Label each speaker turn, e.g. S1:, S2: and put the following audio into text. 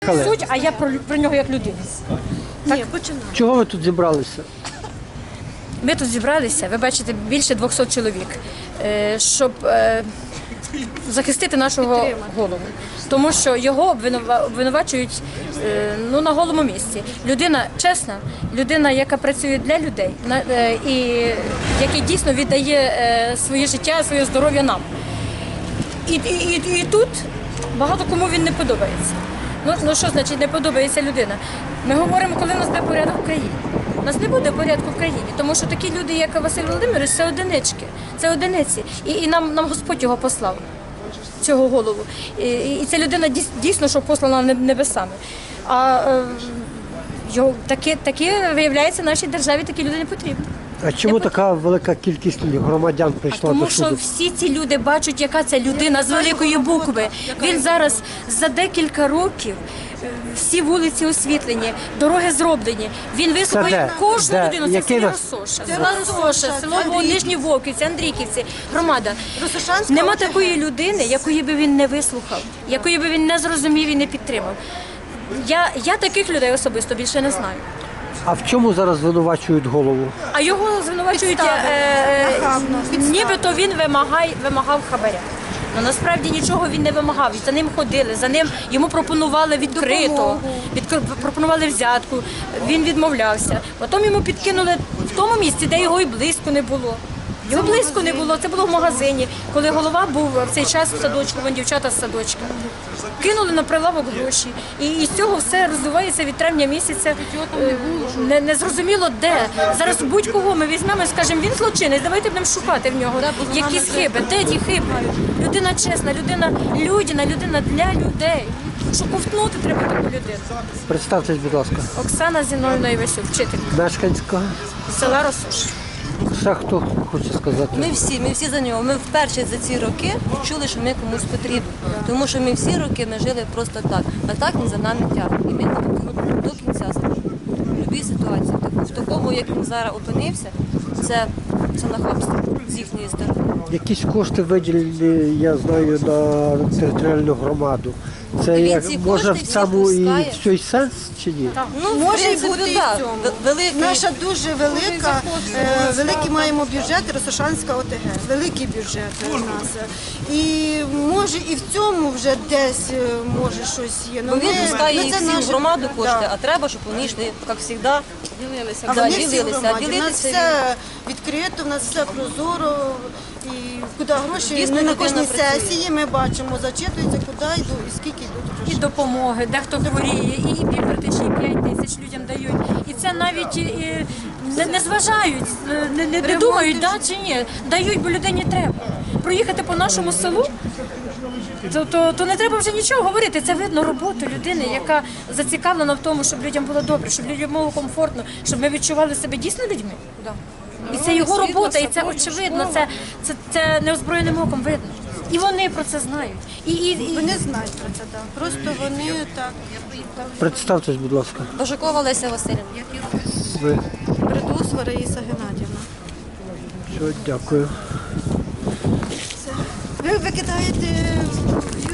S1: Суть, а я про нього як людину.
S2: Ні, починаю.
S3: Чого ви тут зібралися?
S1: Ми тут зібралися, ви бачите, більше 200 чоловік, щоб захистити нашого голову. Тому що його обвинувачують на голому місці. Людина чесна, людина, яка працює для людей, і який дійсно віддає своє життя, своє здоров'я нам. І тут багато кому він не подобається. Ну що значить не подобається людина? Ми говоримо, коли в нас буде порядок в країні. У нас не буде порядку в країні, тому що такі люди, як Василь Володимирович, це одинички, це одиниці. І нам Господь його послав, цього голову. І ця людина дійсно, що послана небесами. А такі, виявляється, нашій державі такі люди не потрібні.
S3: А чому така велика кількість громадян прийшла
S1: Тому
S3: до суду?
S1: що всі ці люди бачать, яка це людина з великої букви. Він зараз за декілька років, всі вулиці освітлені, дороги зроблені. Він вислухає кожну людину. Це село Росоша, село Нижні Вовківці, Андрійківці, громада. Нема такої людини, якої би він не вислухав, якої би він не зрозумів і не підтримав. Я таких людей особисто більше не знаю.
S3: А в чому зараз звинувачують голову?
S1: А його звинувачують, нібито він вимагав хабаря. Ну, насправді нічого він не вимагав. За ним ходили, йому пропонували відкрито, пропонували взятку, він відмовлявся. Потім йому підкинули в тому місці, де його і близько не було. Його близько не було, це було в магазині, коли голова був в цей час в садочку, вон дівчата з садочка. Кинули на прилавок гроші. І з цього все розвивається від травня місяця. Не зрозуміло де. Зараз будь-кого ми візьмемо і скажемо, він злочинець, давайте будемо шукати в нього якісь хиби. Де ті хиби? Людина чесна, людина людяна, людина для людей. Що ковтнути треба таку людину.
S3: Представтесь, будь ласка.
S1: Оксана Зіновівна Івасюк, вчитель
S3: Мешканська.
S1: села Росош.
S3: Ще хто хоче сказати?
S2: Ми всі за нього. Ми вперше за ці роки чули, що ми комусь потрібні. Тому що ми всі роки ми жили просто так. А так він за нами тягне. І ми до кінця служимо. В будь-якій ситуації. В такому, як він зараз опинився, це нахабство з їхньої сторони.
S3: Якісь кошти виділені, я знаю, на територіальну громаду. Це як, може в цьому і цей сенс чи ні?
S2: Ну,
S4: Може бути і в цьому.
S2: Великий.
S4: Наша дуже велика, великий маємо бюджет, Росошанська ОТГ, великий бюджет у нас. І може і в цьому вже десь може щось є.
S2: Бо він пускає їх всі в громаду кошти, а треба, щоб вони йшли, як завжди, ділилися.
S4: А вони всі в громаді. У нас все відкрито, у нас все прозоро. І куди гроші,
S2: Дійсно,
S4: на кожній
S2: людина працює.
S4: сесії ми бачимо, зачитується, куди йдуть і скільки йдуть
S1: І
S4: гроші.
S1: допомоги, дехто хворіє, і півкритичні 5 тисяч людям дають. І це навіть не зважають, не думають, да чи ні. Дають, бо людині треба. Проїхати по нашому селу, то не треба вже нічого говорити. Це видно роботу людини, яка зацікавлена в тому, щоб людям було добре, щоб людям було комфортно, щоб ми відчували себе дійсно людьми. І це його робота, і це очевидно, це неозброєним оком видно. І вони про це знають.
S4: Вони знають про це, так. Просто вони так.
S3: Представтесь, будь ласка.
S2: Божакова Леся Васильівна.
S3: Ви.
S4: Придус Раїса Геннадівна.
S3: Все, дякую.
S4: Ви викидаєте